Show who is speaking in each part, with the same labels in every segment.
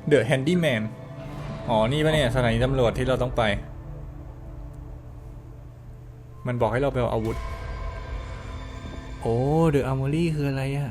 Speaker 1: The Handyman อ๋อนี่ปะเนี่ยสถานีตำรวจที่เราต้องไปมันบอกให้เราไปเอาอาวุธโอ้ The Armory คืออะไรอะ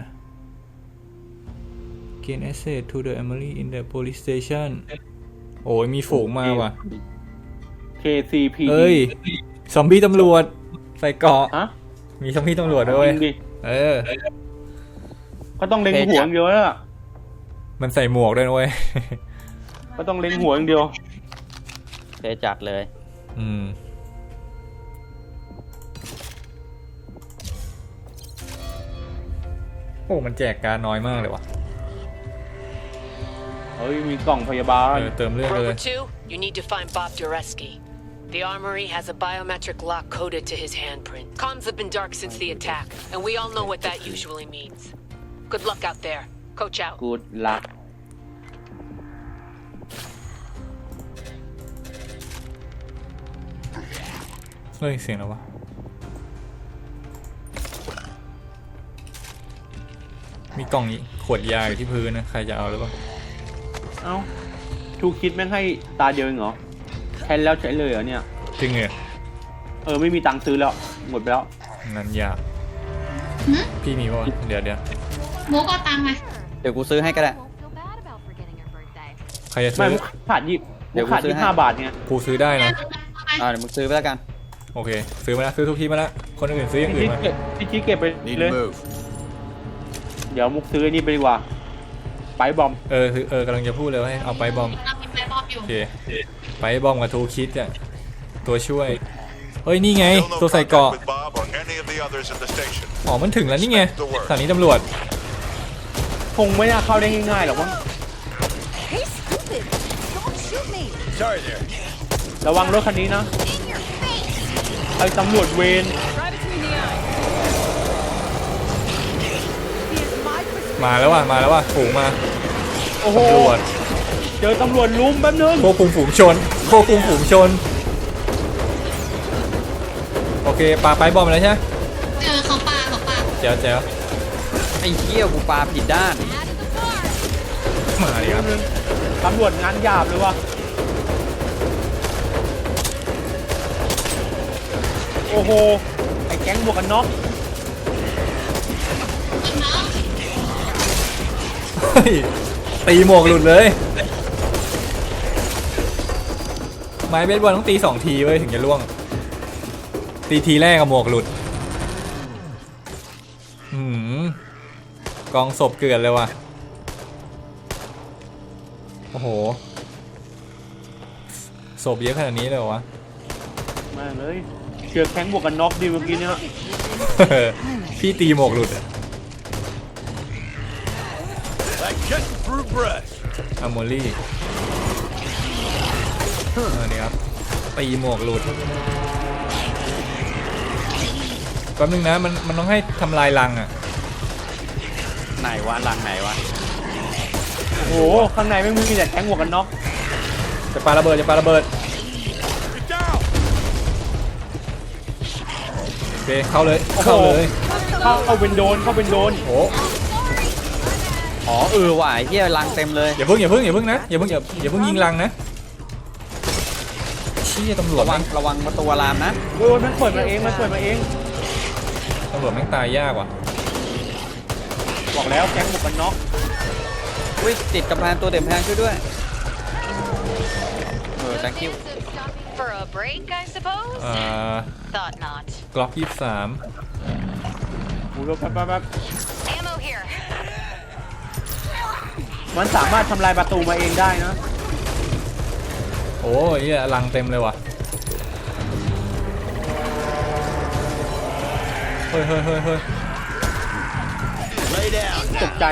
Speaker 1: Gain access to the armory in the police station โอ้ยมีฝูงมาว่ะ
Speaker 2: KCPD
Speaker 1: เอ้ยซอมบี้ตำรวจใส่เกราะ
Speaker 2: ฮะ
Speaker 1: มีซอมบี้ตำรวจด้วย
Speaker 2: จริงดิ
Speaker 1: เออ
Speaker 2: ก็ต้องเล็งหัวอย่างเดียวแล้วล่ะ
Speaker 1: มันใส่หมวกด้วยนะเว้ย
Speaker 2: ก็ต้องเล็งหัวอย่างเดียว
Speaker 3: เทจัดเลย
Speaker 1: อืมโอ้มันแจกการน้อยมากเลยว่ะ
Speaker 2: เฮ้ยมีกล่องพยาบาล
Speaker 1: เติมเลือดเลย
Speaker 4: Rover 2, you need to find Bob Dureski. The armory has a biometric lock coded to his handprint. Comms have been dark since the attack, and we all know what that usually means. Good luck out there. Coach out.
Speaker 2: กูดลัก
Speaker 1: เฮ้ยเสียงแล้ววะมีกล่องขวดยาอยู่ที่พื้นนะใครจะเอาหรือเปล่า
Speaker 2: เอ้าทูคิดแม่งให้ตาเดียวเองเหรอใช้แล้วใช้เลยเหรอเนี่ย
Speaker 1: จริงเหรอ
Speaker 2: ไม่มีตังค์ซื้อแล้วหมดไปแล้ว
Speaker 1: งั้นยากพี่มีป่ะเดี๋ยว
Speaker 5: มุกเอาตังค์ไหม
Speaker 3: เดี๋ยวกูซื้อให้ก็ได้
Speaker 1: ใครจะ
Speaker 2: ไม่
Speaker 1: ซื้อ
Speaker 2: มุกขาดยี่
Speaker 3: เดี๋
Speaker 2: มุ
Speaker 3: ยว
Speaker 2: กขาด
Speaker 3: กูซื้อให้
Speaker 2: 25 บาทไง
Speaker 1: กูซื้อได้นะ
Speaker 3: เดี๋ยวมึงซื้อไปแล้วกัน
Speaker 1: โอเคซื้อมาแล้วซื้อทุกที่มาแล้วคนอื่นซื้ออย่างอื่นมา
Speaker 2: พี่ชี้เก็บไปเลยเดี๋ยวมุกซื้อไอ้นี่ไปดีกว่าไปบอม
Speaker 1: กำลังจะพูดเลยว่าให้เอาไปบอม
Speaker 5: เรามีไปบอมอยู่
Speaker 1: โอเคไปบอมกับทูคิดอ่ะตัวช่วยเฮ้ยนี่ไงตัวใส่เกราะอ๋อมันถึงแล้วนี่ไงสถานีตำรวจ
Speaker 2: คงไม่น่าเข้าได้ง่ายๆหรอกมั้ง
Speaker 6: Hey, stupid! Don't shoot me!
Speaker 2: ระวังรถคันนี้นะ
Speaker 6: In your face!
Speaker 2: ไอ้ตำรวจเวร
Speaker 6: Right between the eyes. He is my prescription.
Speaker 1: มาแล้วว่ะฝูงมา
Speaker 2: โอ้โห
Speaker 1: ตำรวจ
Speaker 2: เจอตำรวจลุมแป๊บนึง
Speaker 1: ควบคุมฝูงชนโอเคปาไปบอมแล้วใช่ไหม
Speaker 5: เขาปา
Speaker 1: แจ๋ว
Speaker 3: ไอ้เหี้ยกูปาผิดด้าน
Speaker 1: มาดิครับ
Speaker 2: ตำรวจงานหยาบเลยว่ะโอ้โหไอ้แก๊งบวกกันน็อก
Speaker 1: เฮ้ยตีหมวกหลุดเลย ไม้เบสบอลต้องตี2 ทีเว้ยถึงจะล่วง ตีทีแรกกับหมวกหลุดกองศพเกลื่อนเลยว่ะโอ้โหศพเยอะขนาดนี้เลยเหรอวะ
Speaker 2: แม่งเลยเจอแก๊งบวกกันน็อกดีเมื่อกี้เนี่ย
Speaker 1: พี่ตีหมวกหลุดอะอะโมลี่นี่ครับตีหมวกหลุดแป๊บนึงนะมันต้องให้ทำลายรังอะ
Speaker 3: ไหนวะรังไหนวะ
Speaker 2: โอ้โหข้างในไม่มีแต่แก๊งบวกกันน็อก
Speaker 1: จะปาระเบิดโอเคเข้าเลย
Speaker 2: เข้าเป็นโดน
Speaker 1: โอ้
Speaker 3: อ๋อว่ะไอ้เหี้ยรังเต็มเลย
Speaker 1: อย่าเพิ่งนะอย่าเพิ่งยิงรังนะชี้ตำรวจ
Speaker 3: ระวังประตูอารามนะ
Speaker 2: โอ้ยมันเปิดมาเอง
Speaker 1: ตำรวจแม่งตายยากว่ะ
Speaker 2: บอกแล้วแก๊งบวกกันน็อก
Speaker 3: อุ้ยติดกำแพงตัวเต็มแพงช่วยด้วยthank you
Speaker 4: For a break, I suppose? Thought not.
Speaker 1: กล็อก23
Speaker 2: โอ้โหแป๊บ
Speaker 4: Ammo here.
Speaker 2: มันสามารถทำลายประตูมาเองได้นะ
Speaker 1: โอ้ยรังเต็มเลยว่ะเฮ้ย
Speaker 2: ตกใจ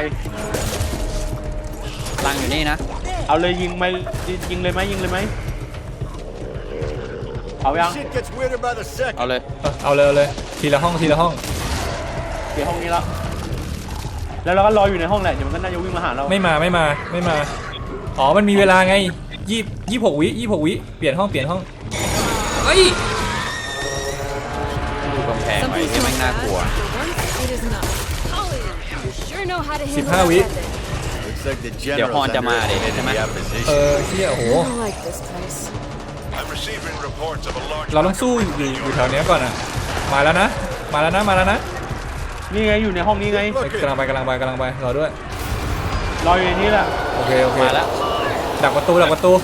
Speaker 3: รังอยู่นี่นะ
Speaker 2: เอาเลยยิงเลยไหมเอายัง
Speaker 3: เอาเลย
Speaker 1: เอาเลยทีละห้อง
Speaker 2: เดี๋ยวห้องนี้แล้วเราก็รออยู่ในห้องแหละเดี๋ยวมันก็น่าจะวิ่งมาหาเรา
Speaker 1: ไม่มาอ๋อมันมีเวลาไง26 วิเปลี่ยนห้องเฮ้ย
Speaker 3: ดูกำแพงไว้ที่แม่งน่ากลัว
Speaker 6: For once, it is not. Oh, you sure know how to handle
Speaker 1: 15 วิ
Speaker 6: that method.
Speaker 7: Looks like the
Speaker 3: เดี๋ยวฮอน
Speaker 7: general's
Speaker 3: จะมาเดี๋ยว
Speaker 7: underestimated
Speaker 3: ใช่ไหม
Speaker 7: the
Speaker 1: เอ
Speaker 7: opposition.
Speaker 1: อเที่ยโอ้โห
Speaker 6: I like this place.
Speaker 7: I'm receiving reports of a large
Speaker 1: เราต้องสู้อยู่แถวเนี้ยก่อนอ่ะมาแล้วนะมาแล้วนะมาแล้วนะ
Speaker 2: นี่ไงอยู่ในห้องนี้ไง
Speaker 1: เฮ้ยกำลังไปกำลังไปกำลังไปรอด้วย
Speaker 2: รออยู่ในนี้แหละ
Speaker 1: โอเคโอเค
Speaker 3: มาแล้ว
Speaker 1: ดักประตูดักประตู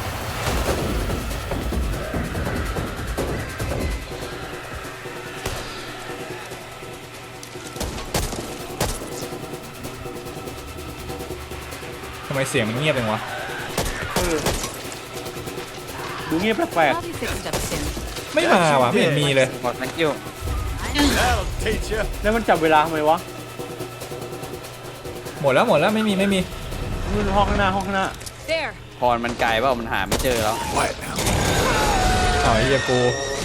Speaker 1: ทำไมเสียงมันเงียบจังวะ
Speaker 2: ดูเงียบแปลก
Speaker 6: I'll be fixed up soon.
Speaker 1: ไม่มาว่ะไม่เห็นมีเลย
Speaker 3: หมด thank you
Speaker 7: That'll teach you.
Speaker 2: ๆแล้วมันจับเวลาทำไมวะ
Speaker 1: หมดแล้วไม่มี
Speaker 2: นู่นห้องข้างหน้าห้องข้างหน้า
Speaker 6: There.
Speaker 3: พรมันไกลเปล่ามันหาไม่เจอแล้ว
Speaker 1: อ๋อไอ้เหี้ยกู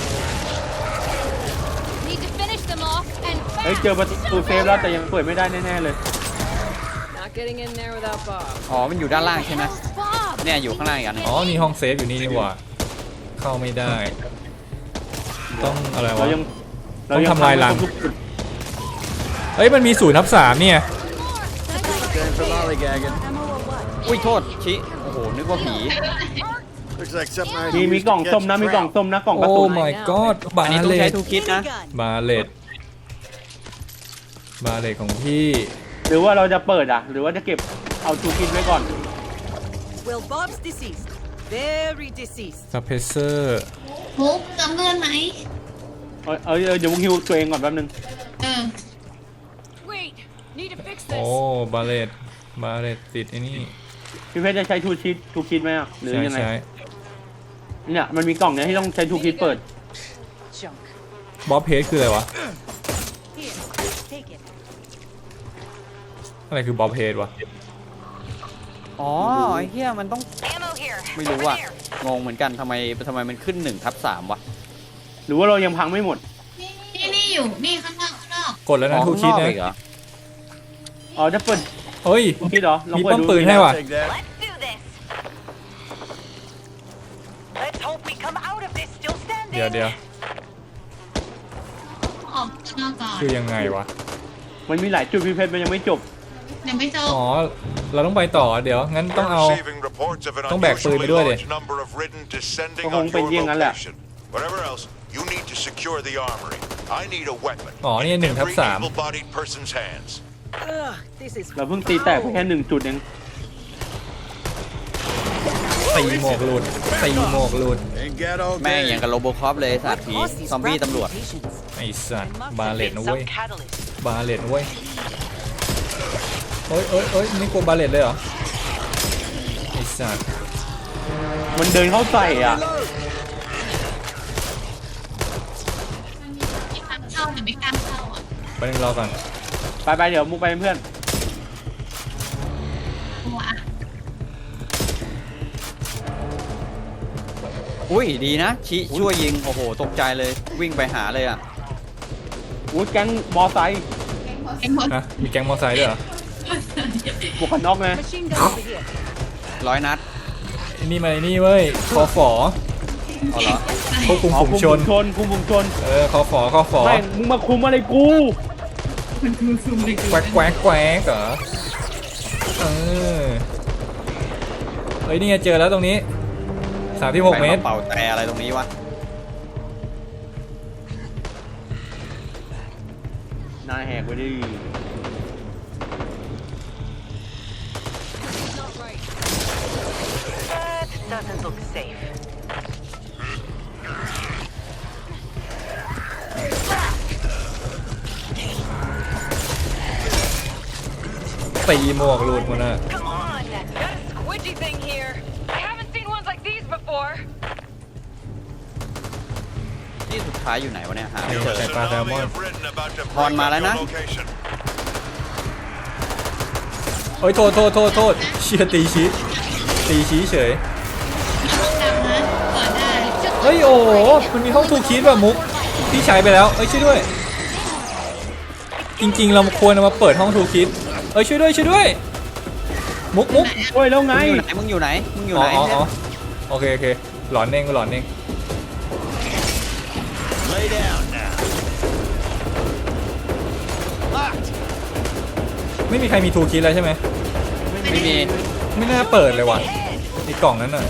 Speaker 6: Need to finish them off and
Speaker 2: เฮ้ยเจอประตูเซฟแล้วแต่ยังเปิดไม่ได้แน่ๆเลย
Speaker 6: Not getting in there without Bob.
Speaker 3: อ๋อมันอยู่ด้านล่างใช่ไหม
Speaker 6: Bob.
Speaker 3: เนี่ยอยู่ข้างล่างอีกอันหนึ่ง
Speaker 1: อ๋อนี่ห้องเซฟอยู่นี่นี่หว่าเข้าไม่ได้ ต้องอะไรวะ
Speaker 2: เรายัง
Speaker 1: ต้องทำลายรัง
Speaker 2: ไม่ครบทุกจุด
Speaker 1: เอ้ยมันมี0/3เนี่ย
Speaker 7: Time for lollygagging.
Speaker 3: อุ้ยโทษชิโอ้โหนึกว่าผี
Speaker 7: Looks like something I
Speaker 2: มี
Speaker 7: used
Speaker 2: กล่อง
Speaker 7: to
Speaker 2: ส้ม
Speaker 7: catch
Speaker 2: นะมีกล่อง
Speaker 7: trout.
Speaker 2: ส้มนะกล่องกระ
Speaker 1: โอ้
Speaker 2: สุน
Speaker 1: my god บา
Speaker 3: อันนี้ต้อ
Speaker 1: เล
Speaker 3: งใช้
Speaker 1: ต
Speaker 3: ทูคิดนะ
Speaker 1: บาเลตบาเลตของพี่
Speaker 2: หรือว่าเราจะเปิดอ่ะ หรือว่าจะเก็บเอาทูคิดไว้ก่อน
Speaker 6: Well, Bob's deceased. Very deceased.
Speaker 1: ซับเพเซอร์
Speaker 5: มุกจำเลื่อนไหม
Speaker 2: เดี๋ยวมุกฮิวตัวเองก่อนแป๊บนึง
Speaker 5: เออ
Speaker 6: Wait. Need to fix
Speaker 1: โอ้
Speaker 6: this.
Speaker 1: บาเลตติดไอ้นี่
Speaker 2: พี่เพชรจะใช้ทูคิดไหมอ่ะหรือ
Speaker 1: ใช่
Speaker 2: ยังไง
Speaker 1: ใช่
Speaker 2: เนี่ยมันมีกล่องเนี้ยที่ต้องใช้ทูคิดเปิด
Speaker 6: Junk.
Speaker 1: บ๊อบเพจคืออะไรวะ
Speaker 6: Here. Take it.
Speaker 1: อะไรคือบ๊อบเพจวะ
Speaker 3: อ๋อไอ้เหี้ยมันต้อง
Speaker 4: Ammo here.
Speaker 3: ไม่รู้ว่ะงงเหมือนกันทำไมมันขึ้น1/3วะ
Speaker 2: หรือว่าเรายังพังไม่หมด
Speaker 5: นี่อยู่นี่ข้างนอก
Speaker 1: กดแล้วนะ
Speaker 3: อ๋อ
Speaker 1: ทู
Speaker 3: ข้าง
Speaker 1: คิด
Speaker 3: นอก
Speaker 1: นะ
Speaker 3: อีกเหรอ
Speaker 2: อ๋อจะเปิด
Speaker 1: เฮ้ย
Speaker 2: ทูคิดเหรอลอง
Speaker 1: มี
Speaker 2: เปิด
Speaker 1: ป้อม
Speaker 2: ดู
Speaker 1: ปืนให้ว่ะ
Speaker 7: Take that.
Speaker 4: Let's do this. Let's hope we come out of this still standing.
Speaker 1: เดี๋ยว
Speaker 5: ออกข้างนอกก่อน
Speaker 1: คือยังไงวะ
Speaker 2: มันมีหลายจุดพี่เพชรมันยังไม่จบ
Speaker 5: ยังไม่จบ
Speaker 1: อ๋อ เราต้องไปต่อเดี๋ยว งั้นต้องเอา
Speaker 7: Receiving reports of an
Speaker 1: ต้องแบกปืนไป
Speaker 7: unusually
Speaker 1: ด้วยดิ
Speaker 7: large number of ridden descending
Speaker 2: ก็คง
Speaker 7: on
Speaker 2: เป็น
Speaker 7: your
Speaker 2: อย่างนั้นแหละ
Speaker 7: location. Whatever else, you need to secure the armory. I need a weapon.
Speaker 1: อ๋อนี่
Speaker 7: in
Speaker 1: 1/3
Speaker 7: every able-bodied person's hands.
Speaker 6: Ugh. This is.
Speaker 2: เราเพิ่งตีแตกไปแค่1จุดเอง
Speaker 1: ตีหมวกหลุดตีหมวกหลุด
Speaker 7: Ain't got all
Speaker 3: แม่ง
Speaker 7: day.
Speaker 3: อย่างกับโรบอคอปเลยสัตว์ผี
Speaker 6: Caused these
Speaker 3: ซอมบี้
Speaker 6: rapid
Speaker 3: ตำรวจ
Speaker 6: mutations.
Speaker 1: ไอ้สัตว์บาเลตนะ
Speaker 4: Some
Speaker 1: เว้ย
Speaker 4: catalyst.
Speaker 1: บาเลตนะเว้ยเอ้ยนี่กลัวบาเลตเลยเหรอ ไอ้สัตว์
Speaker 2: มันเดินเข้าใส่อ่ะ
Speaker 5: ไม่กล้าเข้าหรือไม่กล้าเข้าอ่ะ
Speaker 1: ไปนึงรอก่อน
Speaker 2: ไปเดี๋ยวมุกไปเป็นเพื่อน
Speaker 5: กลัวอ่ะ
Speaker 3: อุ้ยดีนะชิช่วยยิงโอ้โหตกใจเลยวิ่งไปหาเลยอ่ะ
Speaker 2: อุ้ยแก๊งมอไซค์
Speaker 5: ไอ้หมด
Speaker 1: นะมีแก๊งมอเตอร์ไซค์ด้วยเหรอ
Speaker 2: บวกกันน็อกไง
Speaker 6: Machine gun over here.
Speaker 3: 100 นัด
Speaker 1: ไอ้นี่มาไอ้นี่เว้ยคอฝอ
Speaker 3: เอาเหรอ
Speaker 1: ควบคุม
Speaker 2: อ๋อ
Speaker 1: ฝูง
Speaker 2: คุม
Speaker 1: ช
Speaker 2: ฝู
Speaker 1: น
Speaker 2: งชนคุมฝูงชน
Speaker 1: คอฝอ
Speaker 2: ไม่มึงมาคุมอะไรกู
Speaker 5: มันคือซูมเลยกู
Speaker 1: แควกเหรอเฮ้ยนี่ไงเจอแล้วตรงนี้36 เมตร
Speaker 3: เป่าแต่อะไรตรงนี้วะ
Speaker 2: นายแหกไปดิ
Speaker 4: That doesn't look safe.
Speaker 1: ตีหมวกหลุดหมดน่ะ
Speaker 4: Come on, got a squidgy thing here. I haven't seen ones like these before.
Speaker 3: ที่สุดท้ายอยู่ไหนวะเนี่ยหาไม่
Speaker 7: You
Speaker 3: เจอ
Speaker 1: Check out that
Speaker 7: tsunami
Speaker 1: one.
Speaker 7: have written about to
Speaker 3: Hòn
Speaker 7: break
Speaker 3: mà
Speaker 7: up
Speaker 3: lại
Speaker 7: your
Speaker 3: nè.
Speaker 7: location.
Speaker 1: เฮ้ยโทษเชียตีชี้เฉย
Speaker 5: ห้องดำนะเปิดได้
Speaker 1: เฮ้ยโอ้โหมันมีห้องทูคิดว่ะมุกพี่ใช้ไปแล้วเอ้ยช่วยด้วย จริงๆเราควรเอามาเปิดห้องทูคิดเอ้ยช่วยด้วย มุก
Speaker 2: โอ้ยแล้วไง
Speaker 3: มึงอยู่ไหน
Speaker 1: อ๋อโอเคหลอนเอง
Speaker 7: Lay down now. Locked.
Speaker 1: ไม่มีใครมีทูคิดแล้วใช่ไหม
Speaker 2: ไม่
Speaker 3: ไม่มี
Speaker 1: ไม่น่าเปิดเลยว่ะไอ้กล่องนั้นน่ะ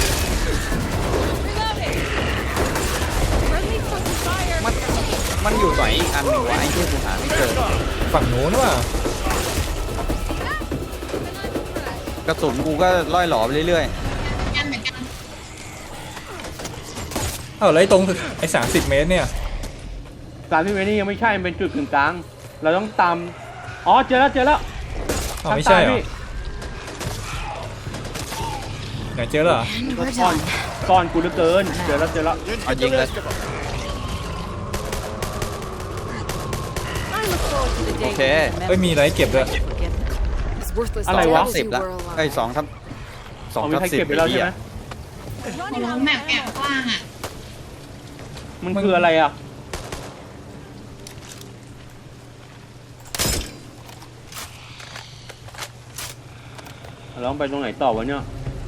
Speaker 3: มันอยู่ไหนอีกอันหนึ่งวะไอ้ที่กูหาไม่เจอ
Speaker 1: ฝั่งนู้นว่ะ
Speaker 3: กระสุนกูก็ล่อยหลอไปเรื่อย
Speaker 5: กันเหมือนกัน
Speaker 1: เอ้าแล้วไอ้ตรงไอ้30 เมตรเนี่ย
Speaker 2: 30 เมตรนี่ยังไม่ใช่มันเป็นจุดกึ่งกลางเราต้องตามอ๋อเจอแล้วเจอแล้ว
Speaker 1: อ้าวไม่ใช่เหรอ
Speaker 2: พี่
Speaker 1: ไหนเจอแล้วเหรอ
Speaker 2: ซ่อนกูเหลือเกินเจอแล้วเจอแล้ว
Speaker 3: ๆ เอายิงเลย โอเค
Speaker 1: เอ้ยมีอะไรเก็บด้วย
Speaker 2: อะไรวะ
Speaker 3: 10ละไอ้ย2 ทับ
Speaker 2: เอา
Speaker 3: 2
Speaker 2: มี
Speaker 3: ทับ
Speaker 2: ใคร
Speaker 3: 10
Speaker 2: เก็บไปแล้วใช่ไหม
Speaker 5: โอ้แมปแอบกว้างอ่ะ
Speaker 2: มันคืออะไรอ่ะเราต้องไปตรงไหนต่อวะเนี่ย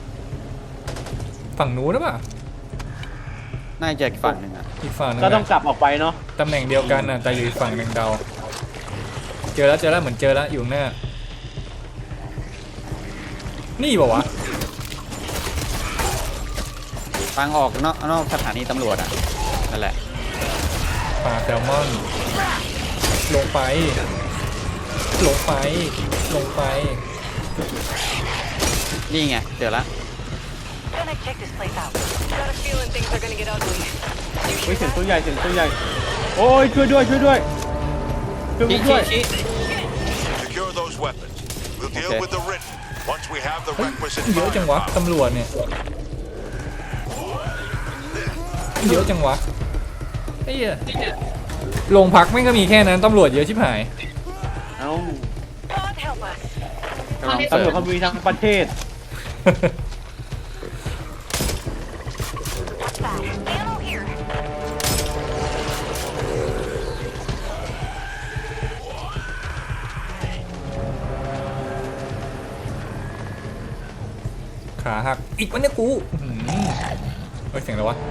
Speaker 1: ฝั่งนู้นหรือเปล่า
Speaker 3: น่าจะอีกฝั่งหนึ่งอ่ะ
Speaker 1: อีกฝั่งนึง
Speaker 2: ก็ต้อง
Speaker 1: อะ
Speaker 2: กลับออกไปเนาะ
Speaker 1: ตำแหน่งเดียวกันน่ะแต่อยู่อีกฝั่งหนึ่งเดาเจอแล้วเหมือนเจอแล้วอยู่ข้างหน้านี่เปล่าวะ
Speaker 3: ทางออกนอกสถานีตำรวจอ่ะ นั่นแหละ
Speaker 1: ปลาแซลมอน ลงไป ลงไป ลงไป
Speaker 3: นี่ไง เจอละ
Speaker 4: Gonna check this place out. Got a feeling things are gonna get ugly.
Speaker 2: เฮ้ยเสียงตัวใหญ่เสียงตัวใหญ่โอ้ยช่วยด้วยช่วยด้วยช่วยผมด้วย
Speaker 7: Secure those weapons. We'll deal
Speaker 3: Okay.
Speaker 7: with the written once we have the requisite
Speaker 1: เยอะจังวะ
Speaker 7: firepower.
Speaker 1: ตำรวจเนี่ยเยอะจังวะไอ้เหี้ยโรงพักไม่งก็มีแค่นั้นตำรวจเยอะชิบหาย
Speaker 2: เอ้า
Speaker 4: God help us.
Speaker 3: กำลัง
Speaker 2: ตำ
Speaker 3: เปิ
Speaker 2: รว
Speaker 3: ด
Speaker 2: จเขามีทั้งประเทศ
Speaker 4: Ammo here.
Speaker 1: ขาหักอีกวันเนี่ยกูอื้อหือเฮ้ยเสียงอะไรวะ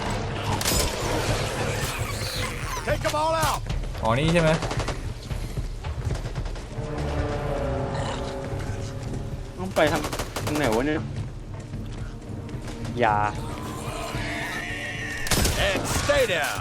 Speaker 7: Take them all out.
Speaker 1: อ๋อนี่ใช่ไหม
Speaker 2: ต้องไปทางไหนวะเนี่ย
Speaker 3: ยา
Speaker 7: And stay down.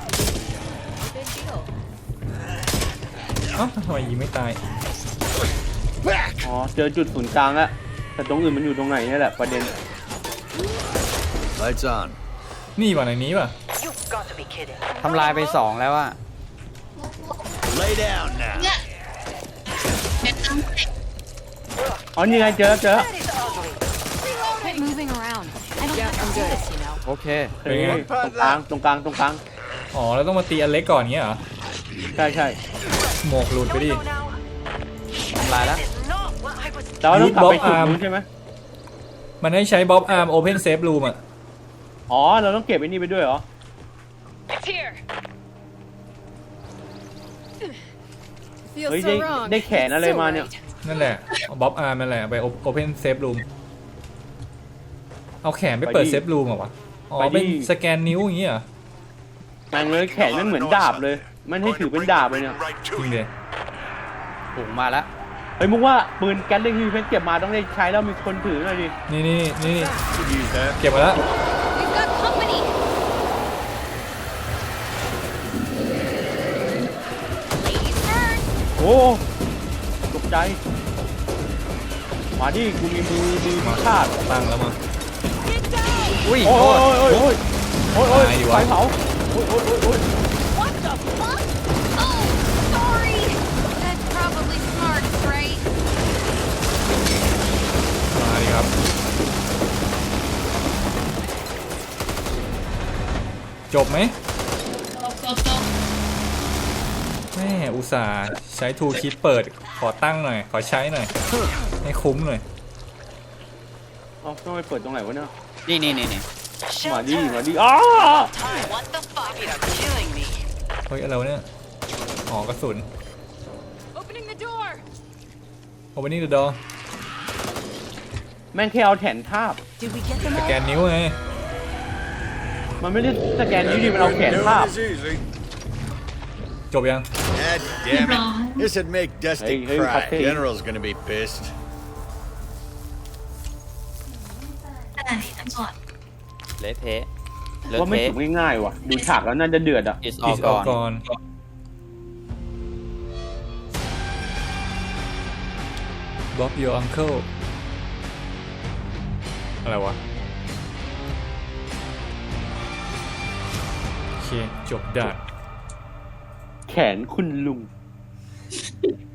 Speaker 1: เอ้าทำไมยิงไม่ตาย
Speaker 7: Back.
Speaker 2: อ๋อเจอจุดศูนย์กลางแล้วแต่ตรงอื่นมันอยู่ตรงไหนนี่แหละประเด็น
Speaker 7: Lights on.
Speaker 1: นี่ว่ะในนี้ว่ะ
Speaker 4: You've got to be kidding.
Speaker 3: ทำลายไป 2 แล้วอ่ะ
Speaker 7: Lay down now.
Speaker 5: เนี่ยเด็ดน้ำแตก
Speaker 2: อ๋อนี่ไงเจอแล้วเจอแล้ว
Speaker 4: That is ugly.
Speaker 6: Quit moving around. I don't have to do this, you know.
Speaker 3: โอเค
Speaker 2: เฮ้ยตรงกลางตรงกลาง
Speaker 1: อ๋อแล้วต้องมาตีอันเล็กก่อนเงี้ยเหรอ
Speaker 2: ใช่ใช่
Speaker 1: หมวกหลุดไปดิ
Speaker 4: No, now.
Speaker 3: ทำลายแล้ว
Speaker 4: Not what I was.
Speaker 2: แต่ว่าต้องกลับไป
Speaker 1: Use
Speaker 2: จุด
Speaker 1: Bob
Speaker 2: นู้นใช่ไหม
Speaker 1: มันให้ใช้บ๊อบอาร์มโอเพนเซฟรูมอ่ะ
Speaker 2: อ๋อเราต้องเก็บไอ้นี่ไปด้วยเหรอ
Speaker 4: It's here.
Speaker 2: เฮ้ยได้แขนอะไรมาเนี่ย
Speaker 1: นั่นแหละบ๊อบอาร์มนั่นแหละไปโอเพนเซฟรูมเอาแขนไปเปิดเซฟรูมเหรอวะอ๋อเป็นสแกนนิ้วอย่างเงี้ยเหรอ
Speaker 2: แม่งเลยแขนมันเหมือนดาบเลย มันให้ถือเป็นดาบเลยเนี่ย
Speaker 7: Right
Speaker 1: จ
Speaker 7: to
Speaker 1: ริง
Speaker 7: you.
Speaker 1: เลย
Speaker 3: ถุงมาแล้ว
Speaker 2: เฮ้ยมึงว่าปืนแก๊สเล็กที่เพชรเก็บมาต้องได้ใช้แล้วมีคนถือหน่อยดิ
Speaker 1: นี่
Speaker 7: Could use that.
Speaker 1: เก็บมาแล้ว
Speaker 6: We've got company.
Speaker 2: โอ้ตกใจ มาดิกูมีมือชาติ
Speaker 1: ตั้งแล้วมา
Speaker 3: อุ้ย
Speaker 2: โอ้
Speaker 3: โทษ
Speaker 2: ยโอ้ยโอ้ยโอ้ยโอ้ย
Speaker 1: ตายดิวะ
Speaker 2: ไฟเผาโอ้ยโอ้ยโอ้ยโอ้ย
Speaker 6: What the fuck? Oh, sorry. That's probably smart, right?
Speaker 1: มาดิครับ จบไหม
Speaker 5: โต
Speaker 1: แม่อุตส่าห์ใช้ทูคิดเปิดขอตั้งหน่อย ขอใช้หน่อยให้คุ้มหน่อย
Speaker 2: เอาต้องไปเปิดตรงไหนวะเนี่ย
Speaker 3: นี่
Speaker 2: มาดิมาดิอ้า
Speaker 4: What the fuck? You're killing me.
Speaker 1: เฮ้ยอะไรวะเนี่ยอ๋อกระสุน
Speaker 6: Opening the door.
Speaker 1: โอเปนิ่งเดอะดอ
Speaker 2: แม่งแค่เอาแขนทาบ
Speaker 6: Did we get them
Speaker 1: สแกนนิ้วไง
Speaker 2: มันไม่ได้สแกนนิ้วดิมันเอาแขนทาบ
Speaker 7: easy.
Speaker 1: จบยัง
Speaker 7: God damn it. This'd make Dusty
Speaker 2: Hey,
Speaker 7: cry.
Speaker 2: hey.
Speaker 7: General's gonna be pissed.
Speaker 5: ขนาดนี้ตั้งก่อน
Speaker 3: เละเทะเละ
Speaker 2: ว่าไม่
Speaker 3: เทะ
Speaker 2: จบง่ายๆว่ะ ดูฉากแล้วน่าจะเดือดอ่ะ
Speaker 3: is
Speaker 1: อี
Speaker 3: all
Speaker 1: สออก
Speaker 3: gone
Speaker 1: ก่อนBob your uncle อะไรวะ โอเค จบด่าน
Speaker 2: แขนคุณลุง